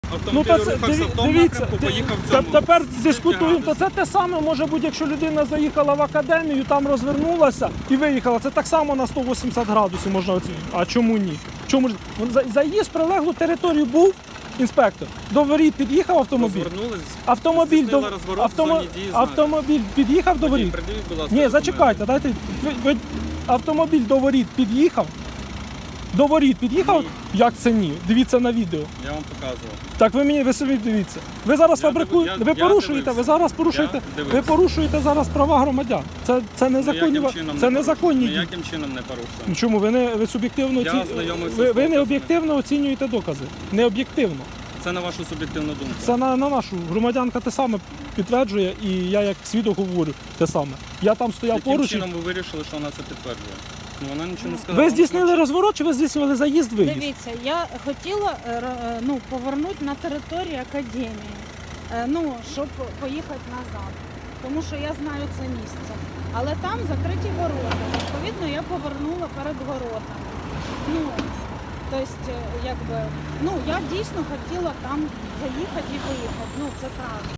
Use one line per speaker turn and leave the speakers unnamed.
автомобіль рухався в тому напрямку, поїхав в цьому.
Тепер дискутуємо, то це те саме може бути, якщо людина заїхала в академію, там розвернулася і виїхала. Це так само на 180 градусів можна оцінити. А чому ні? Чому ж? Заїзд в прилеглу територію був інспектор. До воріт під'їхав автомобіль. Автомобіль під'їхав до воріт. Ні, зачекайте, дайте. Автомобіль до воріт під'їхав. До воріт під'їхав?
Ні.
Як це ні? Дивіться на відео.
Я вам показував.
Так ви собі дивіться. Ви зараз фабрикуєте, ви порушуєте, ви зараз порушуєте, ви порушуєте зараз права громадян. Це незаконні. Це незаконні дії.
Ніяким чином не порушуємо.
Чому ви суб'єктивно ви не об'єктивно оцінюєте докази? Не об'єктивно.
Це на вашу суб'єктивну думку.
Це на нашу. Громадянка те саме підтверджує, і я як свідок говорю те саме. Я там стояв
Яким
поруч.
чином ви вирішили, що вона це підтверджує? Ну, вона нічого не сказала.
Ви здійснили розворот чи ви здійснювали заїзд-виїзд?
Дивіться, я хотіла повернути на територію академії, щоб поїхати назад, тому що я знаю це місце. Але там закриті ворота, відповідно, я повернула перед воротами. Я дійсно хотіла там заїхати і виїхати, це правда.